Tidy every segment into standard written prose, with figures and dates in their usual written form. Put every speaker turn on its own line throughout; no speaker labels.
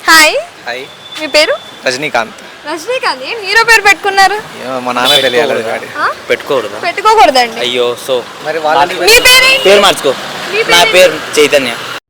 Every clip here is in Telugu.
హాయ్.
హాయ్.
మీ పేరు?
రజనీకాంత్.
రజనీకాంత్. ఏం హీరో పేరు పెట్టుకున్నారు?
మా నాన్న తెలియాలి గాడి.
పెట్టుకోకూడదు.
పెట్టుకోకూడదండి.
అయ్యో సో
మరి వాళ్ళని
మీ
పేరు మార్చుకో. నా పేరు చైతన్య.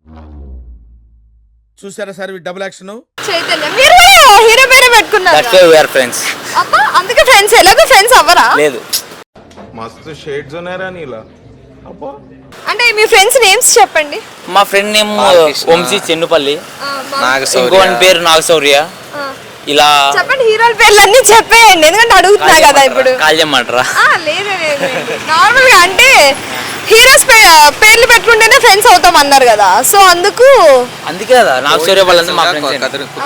చూసారా సార్ డబుల్ యాక్షన్.
చైతన్య. మీరు హీరో పేరు పెట్టుకున్నారు.
That's why we are friends.
అబ్బా అందుకే ఫ్రెండ్స్. ఎలాగో ఫ్రెండ్స్ అవ్వరా?
లేదు.
మస్తు షేడ్స్ ఉన్నారా నీలా. అబ్బా
అంటే మీ ఫ్రెండ్స్ నేమ్స్ చెప్పండి.
మా ఫ్రెండ్ నేమ్ వంశీ చెన్నుపల్లి.
నాగశౌర్య.
ఇంకోని పేరు నాగశౌర్య. ఇలా
చెప్పండి. హీరోల పేర్లు అన్ని చెప్పేయండి, ఎందుకంటే అడుగుతున్నా కదా ఇప్పుడు.
కాల్ చేయమంటారా?
లేదు లేదు, నార్మల్ గా అంటే హీరోస్ పేర్లు పెట్టుకుంటేనే ఫ్రెండ్స్ అవుతాం అన్నారు కదా, సో అందుకు.
అందుకే కదా నాగశౌర్య వాళ్ళంతా మా ఫ్రెండ్స్.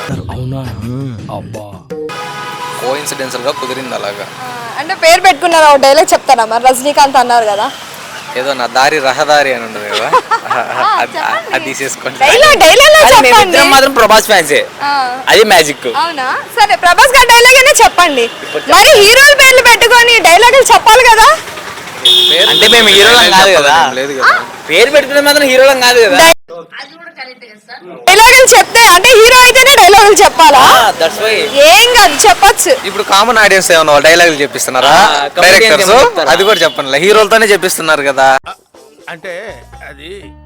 కోఇన్సిడెన్షియల్ గా కుదిరింది అలాగా.
అంటే పేరు పెట్టుకున్నారు. ఒక డైలాగ్ చెప్తారా మరి? రజనీకాంత్ అన్నారు కదా,
ఏదో నా దారి రహదారి అని ఉండదు కదా, అది తీసేసుకోండి.
మేమిద్దరం మాత్రం ప్రభాస్ ఫ్యాన్సే. అది మ్యాజిక్.
అవునా? సరే ప్రభాస్ గారి డైలాగ్ అయినా చెప్పండి. మరి హీరోల పేర్లు పెట్టుకొని డైలాగులు చెప్పాలి కదా.
అంటే మేము హీరోలం కాదు కదా.
లేదు కదా.
పేరు పెట్టుకునే మాత్రం హీరోలం కాదు కదా.
డైలాగులు చెప్తే అంటే హీరో అయితేనే డైలాగులు చెప్పాలా?
That's why.
ఏం కాదు, చెప్పొచ్చు.
ఇప్పుడు కామన్ ఆడియన్స్ ఏమన్నా డైలాగులు చెప్పిస్తున్నారా డైరెక్టర్స్? అది కూడా చెప్పండి, హీరోలతోనే చెప్పిస్తున్నారు కదా.
అంటే అది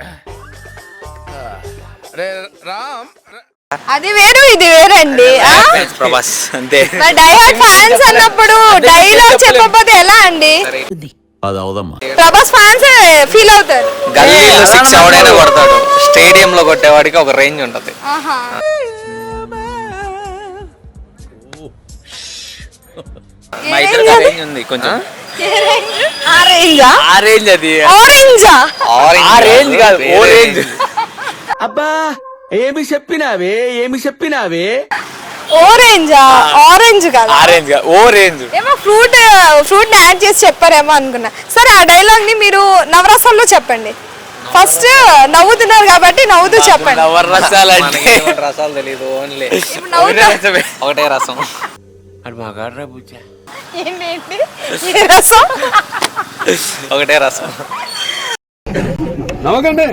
రామ్
అది వేరు ఇది వేరండి.
ప్రభాస్ అంతే.
డైహార్డ్ ఫ్యాన్స్ అన్నప్పుడు డైలాగ్ చెప్పకపోతే ఎలా అండి? ప్రభాస్ ఫ్యాన్స్ ఫీల్ అవుతారు.
గల్లీలో 6 ఎవడైనా కొడతాడు, స్టేడియం లో కొట్టేవాడికి ఒక రేంజ్ ఉంటది.
మా ఇద్దరు రేంజ్ ఉంది కొంచెం. ఆ రేంజ్ అది. ఆ రేంజ్ కాదు, ఓ రేంజ్.
అబ్బా ఏమి చెప్పినావే.
ఆరెంజా? ఆరెంజ్ కదా,
ఆరెంజ్ ఓ రేంజ్.
ఏమో ఫ్రూట్ యాడ్ చేసి చెప్పారేమో అనుకున్నా. సరే ఆ డైలాగ్ ని మీరు నవరసాల్లో చెప్పండి. ఫస్ట్ నవ్వుతున్నారు కాబట్టి నవ్వుతూ చెప్పండి.
నవరసాలు అంటే
రసాలు తెలియదు, ఓన్లీ
ఒకటే రసం.
ఏంటి ఈ రసం?
ఒకటే రసం.
నవ్వకండి.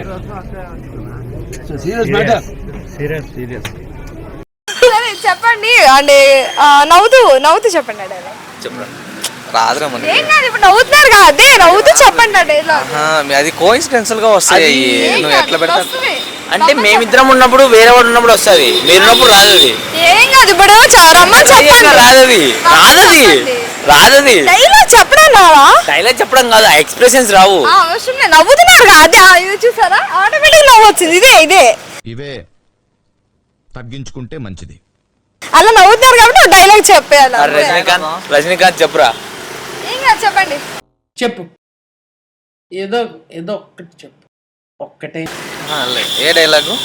సరే చెప్పండి. అంటే నవ్వుతూ చెప్పండి ఆ డైలాగ్.
చెప్పరా.
రాదురా మనకి.
ఏం కాదు, ఇప్పుడు నవ్వుతున్నారు కదా, అదే నవ్వుతూ చెప్పండి ఆ డైలాగ్.
అది కోఇన్సిడెన్షియల్ గా వస్తాయి. నువ్వు ఎట్లా పెడతావు
అంటే మేమిద్దరం ఉన్నప్పుడు వేరే వాడు ఉన్నప్పుడు వస్తుంది, మీరున్నప్పుడు రాదు అది.
ఏం కాదు, ఇప్పుడు రమ్మని చెప్పండి.
రాదది.
డైలాగ్ చెప్పడం రావా?
డైలాగ్ చెప్పడం కాదు, ఎక్స్ప్రెషన్స్ రావు.
అవసరం లేదు, నవ్వుతున్నారు కదా, అదే ఇది చూసారా, ఆటోమేటిక్ నవ్వు వచ్చింది. ఇదే
ఇవే తగ్గించుకుంటే మంచిది.
అలా నవ్వుతున్నారు కాబట్టి డైలాగ్ చెప్పేయాలి.
రజనీకాంత్ చెప్పురా.
ఏం కాదు, చెప్పండి.
చెప్పు, ఏదో ఒక్కటి చెప్పు. ఒక్కటే.
ఏ డైలాగు?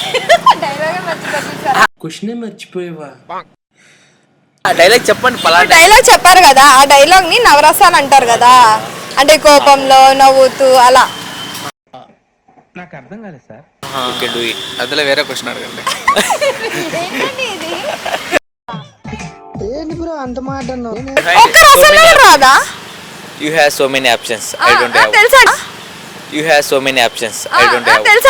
క్వశ్చనే మర్చిపోయావా?
డైలాగ్ చెప్పండి.
డైలాగ్ చెప్పారు కదా, ఆ డైలాగ్ ని నవరసాలు అంటారు కదా, అంటే కోపంలో నవ్వుతూ అలా.
నాకు అర్థం కాలేదు సార్.
అందులో వేరే క్వశ్చన్ అడగండి.
ఒక్క రసంలో రాదా?
You have so many options. I don't have.
తెలుసా?
You have so many options. I don't have.
తెలుసా?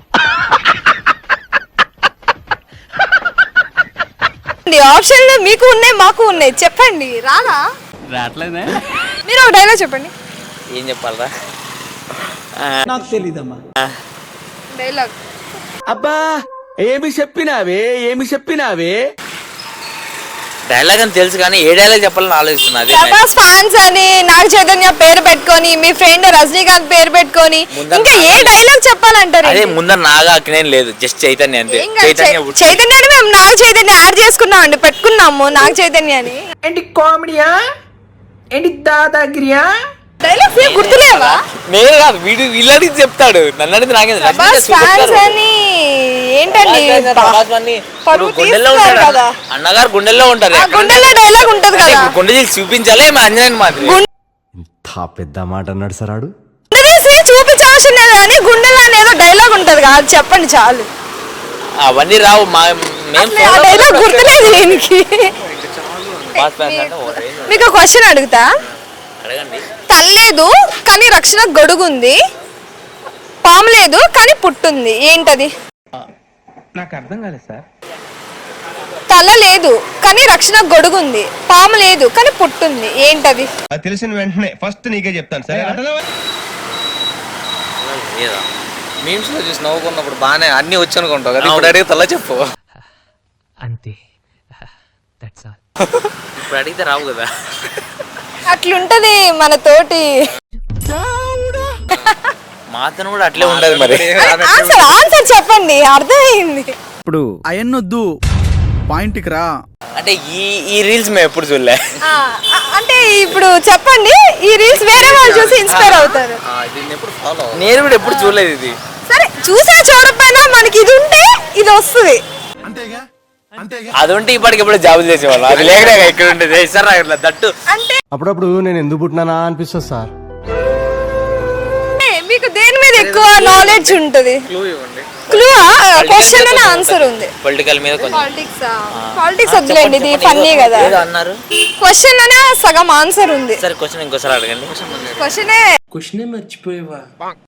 ఆప్షన్లు మీకు ఉన్నాయి, మాకు ఉన్నాయి, చెప్పండి. రాదా?
రావట్లేదే.
మీరు ఒక డైలాగ్ చెప్పండి.
ఏం చెప్పాలరా?
నాకు తెలీదమ్మా.
డైలాగ్.
అబ్బా ఏమి చెప్పినావే.
డైలాగ్ అని తెలుసు కానీ ఏ డైలాగ్ చెప్పాలని ఆలోచిస్తున్నా.
ప్రభాస్ ఫ్యాన్స్ అని నాగ చైతన్య పేరు పెట్టుకొని, మీ ఫ్రెండ్ రజనీకాంత్ పేరు పెట్టుకొని, ఇంకా ఏ డైలాగ్ చెప్పాలంటారు?
అదే ముందర నాగా అక్కినేం లేదు, జస్ట్ చైతన్య అంతే.
చైతన్య అంటే మేము నాగ చైతన్య యాడ్ చేసుకున్నాం అండి, పెట్టుకున్నాము నాగ చైతన్య అని.
ఏంటి కామెడీయా, ఏంటి దాదాగిరియా?
డైలాగ్స్ ఏం గుర్తులేవా?
నేను కాదు, వీడు వీళ్ళని చెప్తాడు, నన్ను అడిగితే నాకేం.
ప్రభాస్ ఫ్యాన్స్ అని ఏంటండి,
గుండెల్లో ఉంటాడు కదా అన్నగారు, గుండెల్లో ఉంటారు.
గుండెల్లో డైలాగ్ ఉంటది కదా,
గుండె చేసి చూపించాలి అంజనేని మాత్రం.
ఇంత పెద్ద మాట అన్నాడు సార్ ఆడు.
చూపించవలసిన లేదు కానీ గుండెల్లో ఏదో డైలాగ్ ఉంటది కదా, అది చెప్పండి చాలు.
అవన్నీ రావు.
డైలాగ్ గుర్తులేదు దీనికి. మీకు క్వశ్చన్ అడుగుతా. తల్లేదు కానీ రక్షణ గొడుగుంది, పాము లేదు కానీ పుట్టుంది, ఏంటది?
నాకు అర్థం కాలేదు సార్.
తల లేదు కానీ రక్షణ గొడుగు ఉంది, పాము లేదు కానీ పుట్టుంది, ఏంటది?
అది తెలిసిన వెంటనే ఫస్ట్ నీకే చెప్తాను సరే.
లేదా మీమ్స్ లో చూసి నవ్వుకున్నప్పుడు బాగానే అన్ని వచ్చి అనుకుంటావు కదా, ఇప్పుడు అడిగితే అలా చెప్పు.
అంతే, ఇప్పుడు అడిగితే రావు కదా.
అట్లుంటది మన తోటి.
మాతను కూడా అట్లే ఉండదు మరి.
ఆన్సర్ చెప్పండి, అర్థమైంది.
ఇప్పుడు అయన్నొద్దు, పాయింట్కి రా.
అంటే ఈ రీల్స్ మేము ఎప్పుడు చూడలే.
అంటే ఇప్పుడు చెప్పండి, ఈ రీల్స్ వేరే వాళ్ళు చూసి ఇన్స్పైర్ అవుతారు.
నేను కూడా ఎప్పుడు చూడలేదు ఇది.
సరే చూసినా చూడకపోయినా మనకి ఇది ఉంటే ఇది వస్తుంది.
అది ఉంటే ఇప్పటికి ఎప్పుడు జాబులు చేసేవాళ్ళం, అది లేకనే ఇక్కడ ఉండేది సార్ దట్టు.
అంటే
అప్పుడప్పుడు నేను ఎందుకు పుట్టినానా అనిపిస్తుంది సార్.
మీకు దేని మీద ఎక్కువ నాలెడ్జ్ ఉంటది? క్లూ క్వశ్చన్ అనే ఆన్సర్ ఉంది.
పొలిటికల్ మీద కొంచెం.
పాలిటిక్స్ వద్దులేండి, ఇది ఫన్నీ కదా.
అన్నారు
క్వశ్చన్ అనే సగం ఆన్సర్ ఉంది.
సరే క్వశ్చన్ ఇంకోసారి అడగండి.
క్వశ్చనే మర్చిపోయావా?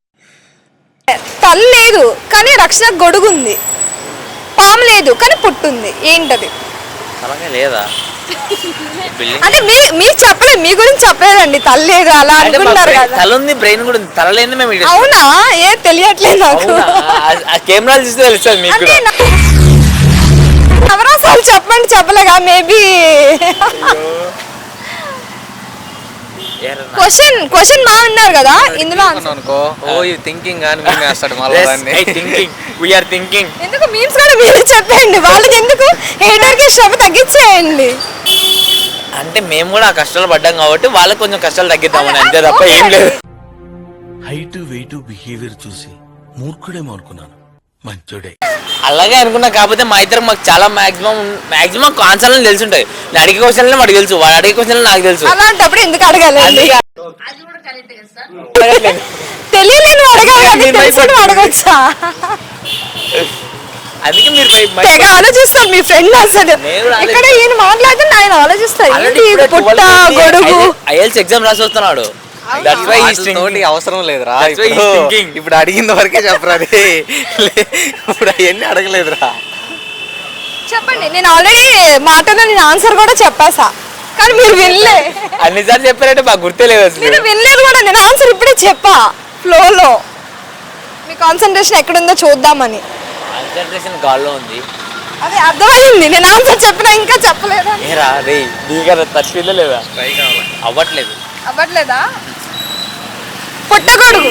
తల లేదు కానీ రక్షణ గొడుగు ఉంది, పాము లేదు కానీ పుట్టుంది, ఏంటది?
అలాగే లేదా
అంటే మీరు చెప్పలేదు, మీ గురించి చెప్పలేదండి. తల లేదు అలా అనుకుంటారు కదా.
తల ఉంది, బ్రెయిన్ కూడా ఉంది, తల లేని మేము
అవునా? ఏ తెలియట్లేదు నాకు.
కెమెరాలు చూస్తే తెలుస్తుంది మీకు కూడా.
నవరసాలు చెప్పండి, చెప్పలేగా. మేబీ క్వశ్చన్ బాగున్నారు కదా ఇందులో.
అనుకో ఓ యు థింకింగ్ అని మేము వేస్తాడు మళ్ళీ దాన్ని.
Thinking we are thinking.
ఎందుకు మీమ్స్ కూడా మీరు చెప్పండి, వాళ్ళకి ఎందుకు? హేటర్ కి శ్రమ తగ్గించేయండి.
అంటే మేము కూడా ఆ కష్టాలు పడ్డాం కాబట్టి వాళ్ళకి కొంచెం కష్టాలు తగ్గిద్దామని అంతే తప్ప ఏం లేదు.
హైట్ వెయిట్ బిహేవియర్ చూసి మూర్ఖుడేమో అనుకున్నాను, మంచోడే.
అలాగే అనుకున్నా, కాకపోతే మా ఇద్దరు మాకు చాలా మాక్సిమం ఆన్సర్లు తెలిసి ఉంటాయి. నేను అడిగే క్వశ్చన్లు వాడికి తెలుసు, వాడు అడిగే క్వశ్చన్లు నాకు తెలుసు.
అలాంటప్పుడు ఎందుకు అడగాలండి? తెలియలేని అడగాలి, అడగొచ్చా?
అందుకే మీరు
తెగ ఆలోచిస్తాను మీ ఫ్రెండ్. అసలు ఇక్కడ ఈయన మాట్లాడితే ఆయన ఆలోచిస్తారు. పుట్ట గొడుగు
ఐఎల్స్ ఎగ్జామ్ రాసి వస్తున్నాడు.
అవసరం లేదురా, ఇప్పుడు అడిగిన వరకే చెప్పరా. ఇప్పుడు అవన్నీ అడగలేదురా.
చెప్పండి, నేను ఆల్రెడీ మాటలో నేను ఆన్సర్ కూడా చెప్పేసా, కానీ మీరు వినలే.
అన్నిసార్లు చెప్పారంటే మాకు గుర్తే లేదు అసలు.
నేను వినలేదు కూడా, నేను ఆన్సర్ ఇప్పుడే చెప్పా ఫ్లోలో. మీ కాన్సన్ట్రేషన్ ఎక్కడుందో చూద్దామని.
కాన్సంట్రేషన్ గాల్లో ఉంది.
అదే అర్థమైంది, నేను ఆన్సర్ చెప్పినా ఇంకా చెప్పలేదా?
ఏరా రే నీకు తప్పిందా లేదా? అవ్వట్లేదు.
అవ్వట్లేదా? పుట్టగొడుగు.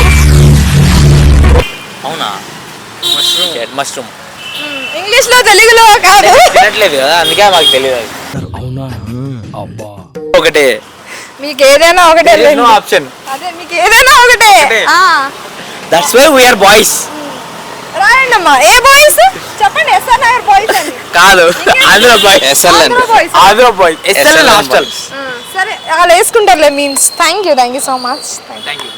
అవునా? మష్రూమ్.
ఇంగ్లీష్ లో తెలుగులో కాదు.
తినట్లేదు కదా, అందుకే మాకు తెలియదు.
అవునా? అబ్బా.
ఒకటే,
మీకు ఏదైనా ఒకటే.
ఆప్షన్
అదే, మీకు ఏదైనా ఒకటే.
That's why we are boys.
రాయండి అమ్మా, ఏ బాయ్స్ చెప్పండి. ఎస్ఆర్ నగర్ బాయ్స్ అని
కాదు, Andhra boys. Andhra boys. Hostel.
సరే అలా వేసుకుంటారులే memes. Thank you so much.
Thank you.